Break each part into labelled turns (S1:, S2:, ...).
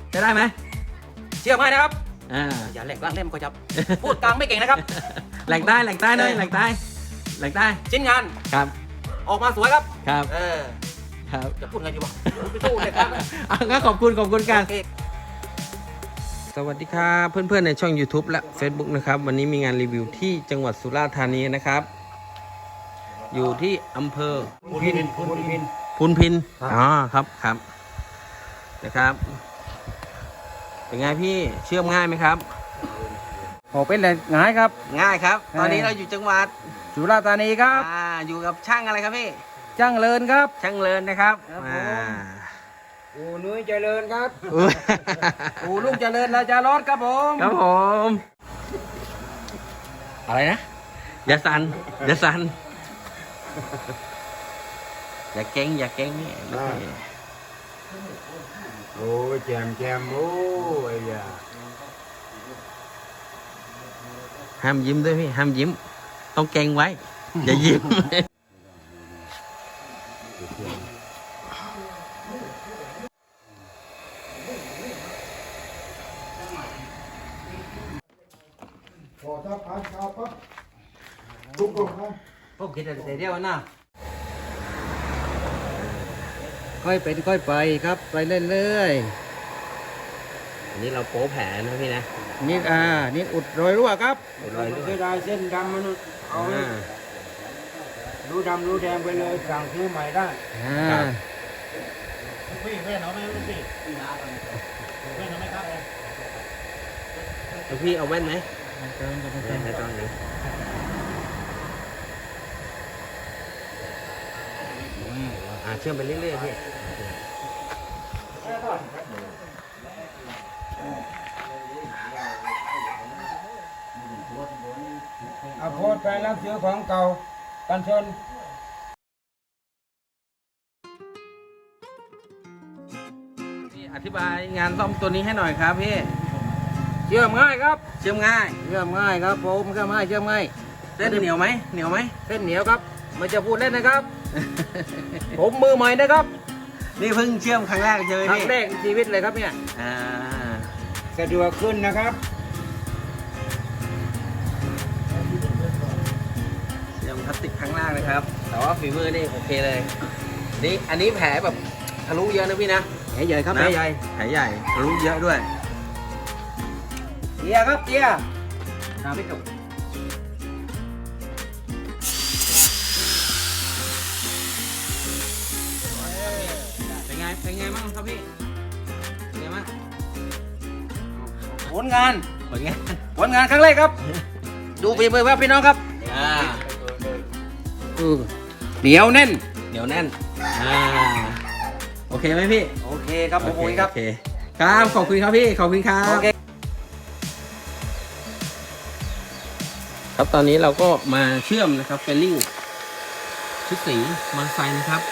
S1: จะได้ไหม
S2: เชื่อไหมนะครับ
S1: อย่าแหลกล่างเล่มก็จับ
S2: พูดกลางไม่เก่งนะครับ
S1: แหลกใต้หน่อยแหลกใต้
S2: ชิ้นงาน
S1: ครับ
S2: ออกมาสวยครับ
S1: ครับ ครับ
S2: จะพูดไงดีวะไม่สู้เลยครับ
S1: งั้นขอบคุณกัน
S2: โอเค
S1: สวัสดีครับเพื่อนๆในช่อง YouTube และ Facebook นะครับวันนี้มีงานรีวิวที่จังหวัดสุราษฎร์ธานีนะครับ อยู่ที่อำเภอพูนพินอ๋อครับนะครับเป็นไงพี่เชื่อมง่ายไหมครับ
S2: โอ้เป็นเลยง่ายครับ
S1: ง่ายครับ ตอนนี้เราอยู่จังหวัด
S2: สุราษฎร์ธานีครับ
S1: อยู่กับช่างอะไรครับพี่
S2: จ้างเลินครับ
S1: ช่างเลินนะครับ
S2: ครับผม อูนุ้ยเจริญครับ
S1: อุ๊ย
S2: อูลุงเจริญราชารถครับผม
S1: ครับผมอะไรนะอย่าสั่นอย่าเก่งนี่
S3: โอ้ยแจมโอ้ยอย่า
S1: ห้ามยิ้มด้วยพี่ห้ามยิ้ม ต้องเก่งไว้ อย่ายิ้ม
S3: พอถ้าผ่านข่าวปั๊บทุกคนนะ
S2: พวกคิดอะไรเดียวนะค่อยเป็นค่อยไปครับไปเรื่อย
S1: อันนี้เราโป๊แผลนะพี่นะ
S2: ๆนี่นี่อุดรอยรั่วครับ
S3: เสียดายเส้นดำมันเอารู้ดำรู้แดงไปเลยสั่งซื้อใหม่ได้
S1: แล้วพี่เอาแว่นไหมไม่ต้องเลยเชื่อมไปเรื่อยๆพี่
S3: เอาโพสต์ไปรับซื้อของเก่ากันชน
S1: พี่อธิบายงานซ่อมตัวนี้ให้หน่อยครับพี่
S2: เชื่อมง่ายครับ
S1: เชื่อมง่าย
S2: เชื่อมง่ายครับผมเชื่อมง่ายเชื่อมง่าย
S1: เส้นเหนียวไหม
S2: เส้นเหนียวครับไม่จะพูดเล่นนะครับ ผมมือใหม่นะครับ
S1: นี่เพิ่งเชื่อมครั้งแรกเจอ
S2: ครั้
S1: พี่
S2: งแรกในชีวิตเลยครับเนี่ย
S3: สะดวกขึ้นนะครับ
S1: เชื่อมพลาสติกครั้งแรกนะครับ แต่ว่าฝีมือนี่โอเคเลยนี่อันนี้แผลแบบทะลุเยอะนะพี่นะ
S2: แผลใหญ่ครับ
S1: นะ
S2: แผลใหญ่
S1: แผลใหญ่ทะลุเยอะด้วย
S2: เตียครับเตียครับพี่จุก
S1: เป็นไงบ้างครับพี่เป็นไงบ้าง
S2: ผลงาน
S1: เป็นไง
S2: ผลงานครั้งแรกครับ ดูฝีมือครับพี่น้องครับ เหนียวแน่น
S1: เหนียวแน่นโอเคไหมพี่
S2: โอเคครับผมโอเคครับ
S1: โอเคครับขอบคุณครับพี่ขอบคุณครับ
S2: โอเค
S1: ครับตอนนี้เราก็มาเชื่อมนะครับเฟลลิ่งชุดสีมอเตอร์ไซค์นะครับ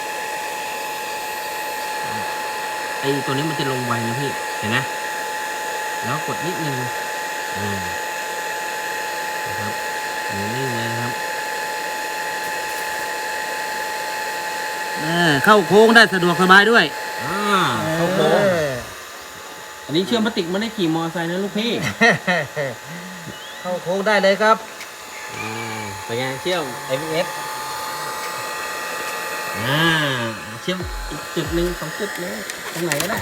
S1: ไอตัวนี้มันจะลงไวนะพี่เห็นไหมแล้วกดนิดนึงนะครับนิ่งเลยนะครับ
S2: เข้าโค้งได้สะดวกสบายด้วย
S1: เข้าโค้งอันนี้เชื่อมพลาสติกไม่ได้ขี่มอเตอร์ไซค์นะลูกพี่
S2: เข้าโค้งได้เลยครับ
S1: เป็นไงเชื่อม ABS เชื่อมอีกจุดหนึ่ง2 จุดเลยตรงไหนก็ได้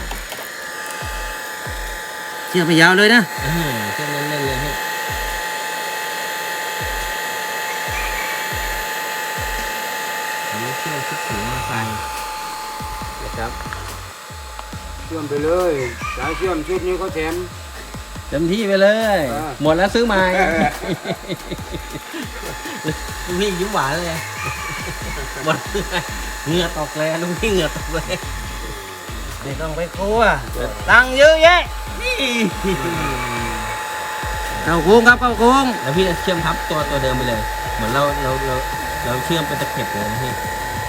S2: เชื่อมไปยาวเลยนะ
S1: เชื่อมเล่นๆเลยพี่อันนี้เชื่อมชุดสีมอเตอร์ไซค์นะครับ
S3: เชื่อมไปเลยสายเชื่อมชุดนี้เขาแถม
S1: เต็มที่ไปเลย หมดแล้วซื้อใหม่ลุงพี่ยิ้มหวานเลยหมดเหงื่อตกเลยลุงพี่เหงื่อตกเลย
S2: ไม่ต้องไปครัวตังค์เยอะแยะ
S1: นี่
S2: เข้าโค้งครับเข้าโค้ง
S1: แล้วพี่เชื่อมทับตัวเดิมไปเลย เหมือนเราเชื่อมเป็นตะเข็บเลยนะพี่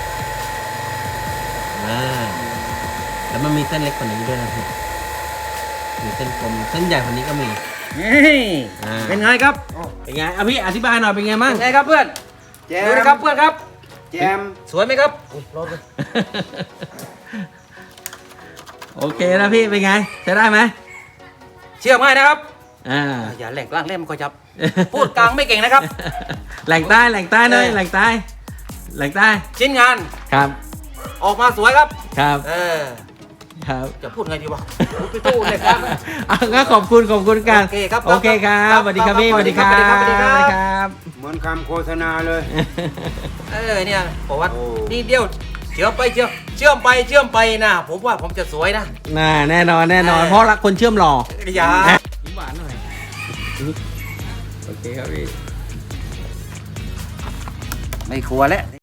S1: แล้วมันมีเส้นเล็กกว่านี้ด้วยนะพี่มีเส้นกลมเส้นใหญ่กว่านี้ก็มี
S2: นี่เป็นไงครับ
S1: เป็นไงพี่อธิบายหน่อยเป็นไงมั่ง
S2: เป็นไงครับเพื่อน
S3: แจ
S2: ดู
S3: ม
S2: นะครับเพื่อนครับ
S3: แจม
S2: สวยไหมครับ
S1: โอ้โอเคนะพี่เป็นไงใช้ได้ไหม
S2: เชื่อง่ายนะครับ
S1: อ่า
S2: อย่าแหล่งกลางเล่นมันก็จับ พูดกลางไม่เก่งนะครับ
S1: แหล่งใต้แหล่งใต้เลยแหล่งใต้แหล่งใต้
S2: ชิ้นงาน
S1: ครับ
S2: ออกมาสวยครับ
S1: ครับ ครับ
S2: จะพูดไงดีวะพูดไปตู้เลยครับ
S1: อ่ะงั้นขอบคุณกัน
S2: โอเคครับ
S1: โอเคครับสวัสดีครับพี่สวัสดีครับ
S2: สวัสดีครับสวัสดีครับ
S1: สวัสดีครับ
S3: เหมือนคำโฆษณาเลย
S2: เนี่ยบอกว่า
S3: โอ้
S2: นี่เดียวเชื่อมไปเชื่อมไปนะผมว่าผมจะสวยนะ
S1: น่าแน่นอนเพราะรักคนเชื่อมหล่อ
S2: อย่า
S1: ยิ้มหวานหน่อยโอเคครับพี่
S2: ไม่กลัวแล้ว